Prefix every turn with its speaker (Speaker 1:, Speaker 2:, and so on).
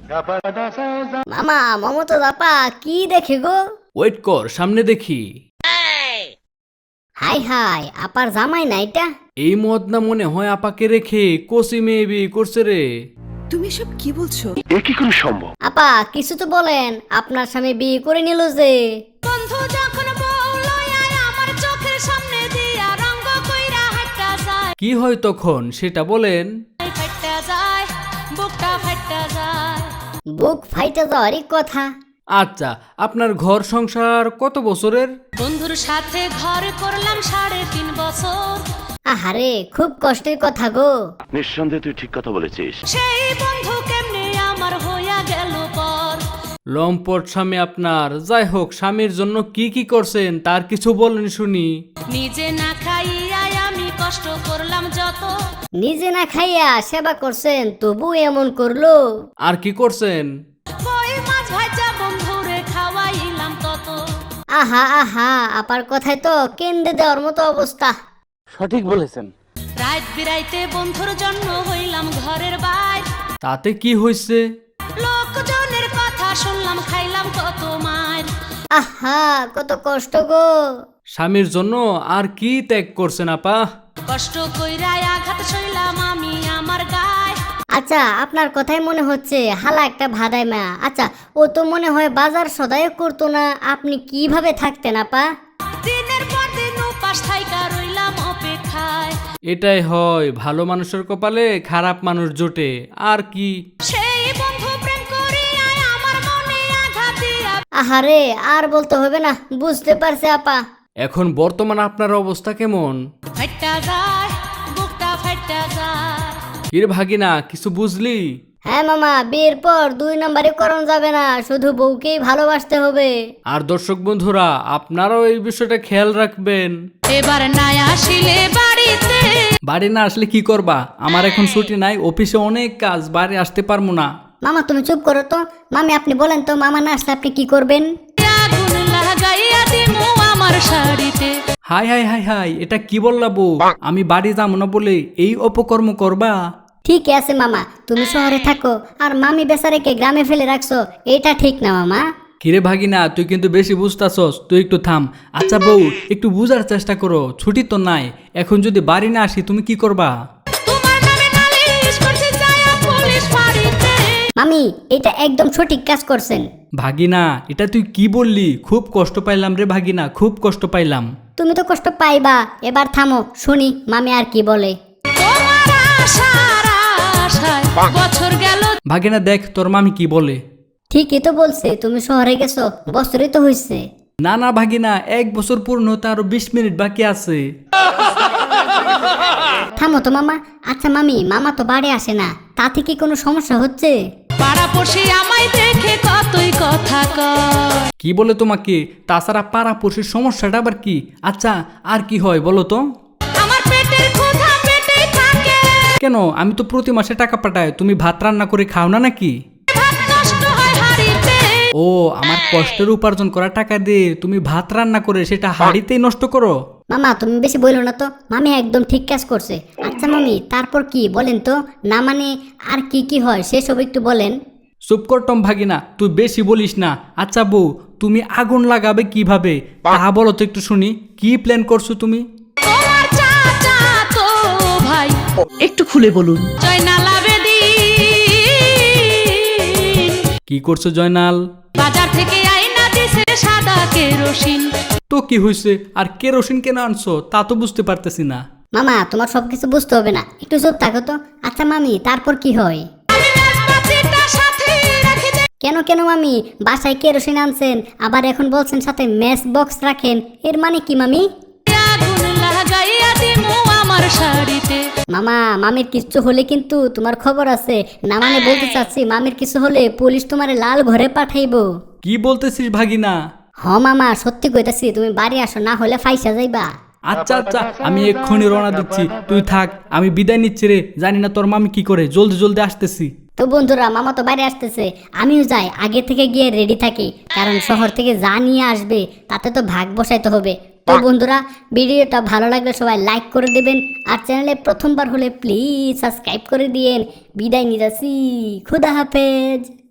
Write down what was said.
Speaker 1: মামা মমতা আপা কি দেখে গো?
Speaker 2: ওয়েট কর, সামনে দেখি।
Speaker 1: হাই হাই, আপার জামাই না এটা?
Speaker 2: এই মদ না মনে হয় আপাকে রেখে কোসি মেয়ে বিয়ে করছে রে।
Speaker 3: তুমি সব কি বলছো?
Speaker 1: আপা কিছু তো বলেন, আপনার স্বামী বিয়ে করে নিল যে।
Speaker 4: বন্ধু যখন বললো আমার চোখের সামনে দিয়া রঙ্গ কইরা হাঁটা যায়,
Speaker 2: কি হয় তখন সেটা বলেন।
Speaker 4: ফাইটা যায়, বুকটা ফাইটা যায়।
Speaker 1: বুক ফাইটা যাওয়ারই কথা।
Speaker 2: আচ্ছা, আপনার ঘর সংসার কত বছরের?
Speaker 4: বন্ধুর সাথে ঘর করলাম 3.5 বছর।
Speaker 1: আহারে খুব কষ্টের কথা গো।
Speaker 5: নিঃসন্দেহে তুই ঠিক কথা বলেছিস।
Speaker 4: সেই বন্ধু কেমনে আমার হইয়া গেল পর।
Speaker 2: লম্পট স্বামী আপনার। যাই হোক, স্বামীর জন্য কি কি করছেন তার কিছু বলেন শুনি।
Speaker 4: নিজে না খাইয়া আমি কষ্ট করলাম যত,
Speaker 1: নিজে না খাইয়া সেবা করছেন তবু এমন করলো।
Speaker 2: আর কি করছেন?
Speaker 4: কই মাছ ভাজা বন্ধুরে খাওয়াইলাম তত।
Speaker 1: আহা আহা, আপার কথায় তো কেন্দ্রে দেওয়ার মতো অবস্থা।
Speaker 5: সঠিক বলেছেন।
Speaker 4: রাত বিরাইতে বন্ধুর জন্য হইলাম ঘরের বাইর।
Speaker 2: তাতে কি হয়েছে?
Speaker 4: লোকজনের কথা শুনলাম, খাইলাম কত মার।
Speaker 1: আহা কত কষ্ট গো।
Speaker 2: স্বামীর জন্য আর কি ত্যাগ করছেন আপা?
Speaker 4: কষ্ট কইরা আঘাত সইলাম আমি আমার গায়।
Speaker 1: আচ্ছা আপনার কথাই মনে হচ্ছে হালা একটা ভাদাই মা। আচ্ছা ও তো মনে হয় বাজার সদাই করতো না, আপনি কিভাবে থাকতেন আপা?
Speaker 4: দিনের পর দিন উপাস থাইকা রইলাম অপেক্ষায়।
Speaker 2: এটাই হয়, ভালো মানুষের কপালে খারাপ মানুষ জোটে। আর কি?
Speaker 4: সেই বন্ধু প্রেম করিয়া আমার মনে আঘাত দিয়া।
Speaker 1: আহারে আর বলতে হবে না, বুঝতে পারছে আপা।
Speaker 2: এখন বর্তমান আপনার অবস্থা কেমন?
Speaker 4: ফাইটা যায়, বুকটা ফাইটা যায়।
Speaker 2: কিরে ভাগিনা, কিছু বুঝলি?
Speaker 1: হ্যাঁ মামা, বিয়ের পর 2 নম্বরে করণ যাবে না, শুধু বউকেই ভালোবাসতে হবে।
Speaker 2: আর দর্শক বন্ধুরা, আপনারাও এই বিষয়টা খেয়াল রাখবেন।
Speaker 4: এবার নাই আসিলে বাড়িতে।
Speaker 2: বাড়ি না আসলে কি করবা? আমার এখন ছুটি নাই, অফিসে অনেক কাজ, বাড়ি আসতে পারবো না।
Speaker 1: মামা তুমি চুপ করো তো। মামি আপনি বলেন তো, মামা না আসলে আপনি কি করবেন?
Speaker 4: আগুন লাগাইয়া দিমু আমার শাড়িতে।
Speaker 2: হাই হাই হাই হাই, এটা কি বললা বউ? আমি বাড়ি যাবো না বলে এই অপকর্ম করবা?
Speaker 1: ঠিক আছে মামা, তুমি শহরে থাকো আর মামি বেচারেকে গ্রামে ফেলে রাখছো, এটা ঠিক না মামা।
Speaker 2: কিরে ভাগিনা, তুই কিন্তু বেশি বুঝতাছস, তুই একটু থাম। আচ্ছা বউ, একটু বুঝার চেষ্টা করো, ছুটি তো নাই, এখন যদি বাড়ি না আসি তুমি কি করবা?
Speaker 4: তোমার নামে নালিশ করতে যায় পুলিশ ফাঁড়িতে।
Speaker 1: মামি এটা একদম সঠিক কাজ করছেন।
Speaker 2: ভাগিনা, এটা তুই কি বললি? খুব কষ্ট পাইলাম রে ভাগিনা, খুব কষ্ট পাইলাম।
Speaker 1: তুমি তো কষ্ট পাইবা, এবার থামো শুনি মামি আর কি বলে।
Speaker 4: তোমার আশার আশায় বছর গেল।
Speaker 2: ভাগিনা দেখ তোর মামি কি বলে।
Speaker 1: ঠিকই তো বলছে, তুমি শহরে গেছো, বছরই তো হয়েছে।
Speaker 2: না না ভাগিনা, 1 বছর পূর্ণ হতে আরো 20 মিনিট বাকি আছে।
Speaker 1: থামো তো মামা। আচ্ছা মামি, মামা তো বাড়ি আসে না, তাতে কি কোনো সমস্যা হচ্ছে?
Speaker 4: পাড়াপড়শি আমায় দেখে কতই কথা কয়।
Speaker 2: কি বলে তোমাকে? তাছাড়া পাড়াপড়শির সমস্যাটা আবার কি? আচ্ছা আর কি হয় বলো তো?
Speaker 4: আমার পেটের ক্ষুধা পেটেই থাকে।
Speaker 2: কেন, আমি তো প্রতি মাসে টাকা পাঠাই, তুমি ভাত রান্না করে খাও না নাকি?
Speaker 4: ভাত নষ্ট হয় হাড়িতে।
Speaker 2: ও, আমার কষ্টের উপার্জন করা টাকা দিয়ে তুমি ভাত রান্না করে সেটা হাঁড়িতেই নষ্ট করো?
Speaker 1: মামা তুমি বেশি বললো না তো, মামি একদম ঠিক কাজ করছে। আচ্ছা মামি তারপর কি বলেন তো, না মানে আর কি কি হয় সেসব একটু বলেন।
Speaker 2: চুপ করটম ভাগিনা, তুই বেশি বলিস না। আচ্ছা বউ, তুমি আগুন লাগাবে কিভাবে তা বলো তো একটু শুনি। কি প্ল্যান করছো তুমি?
Speaker 4: তোমার চাচা তো ভাই
Speaker 3: একটু খুলে বলুন।
Speaker 4: জয়নাল আবেদীন
Speaker 2: কি করছো জয়নাল?
Speaker 4: বাজার থেকে আইনা দিছে সাদা কেরোসিন।
Speaker 2: তো কি হয়েছে? আর কেরোসিন কেন আনছো তা তো বুঝতে পারতেছি না।
Speaker 1: মামা তোমার সবকিছু বুঝতে হবে না, একটু চুপ থাকো তো। আচ্ছা মামি তারপর কি হয়?
Speaker 4: আমি মেজবাতিটা সাথে রাখি দে।
Speaker 1: কেন কেন মামি, বাসায় কেরোসিন আনছেন আবার এখন বলছেন সাথে ম্যাচ বক্স রাখেন, এর মানে কি মামি?
Speaker 4: আগুন লাগাইয়া দিমু আমার শাড়িতে।
Speaker 1: মামা মামির কিছু হলে কিন্তু তোমার খবর আছে না, মানে বলতে চাচ্ছি মামির কিছু হলে পুলিশ তোমারে লাল ঘরে পাঠাইবো।
Speaker 2: কি বলতেছিস ভাগিনা?
Speaker 1: হ মামা সত্যি কইতাছি, তুমি বাড়ি আসো, না হলে ফাইসা যাইবা।
Speaker 2: আচ্ছা আচ্ছা, আমি এক্ষুনি রওনা দিচ্ছি, তুই থাক, আমি বিদায় নিচ্ছি রে। জানি না তোর মামি কি করে, জলদি জলদি আসতেছি।
Speaker 1: তো বন্ধুরা মামা তো বাইরে আসতেছে, আমিও যাই, আগে থেকে গিয়ে রেডি থাকি, কারণ শহর থেকে যা নিয়ে আসবে তাতে তো ভাগ বসাইতে হবে। তো বন্ধুরা ভিডিওটা ভালো লাগলে সবাই লাইক করে দেবেন, আর চ্যানেলে প্রথমবার হলে প্লিজ সাবস্ক্রাইব করে দিয়েন। বিদায় নিয়ে যাচ্ছি, খুদা হাফেজ।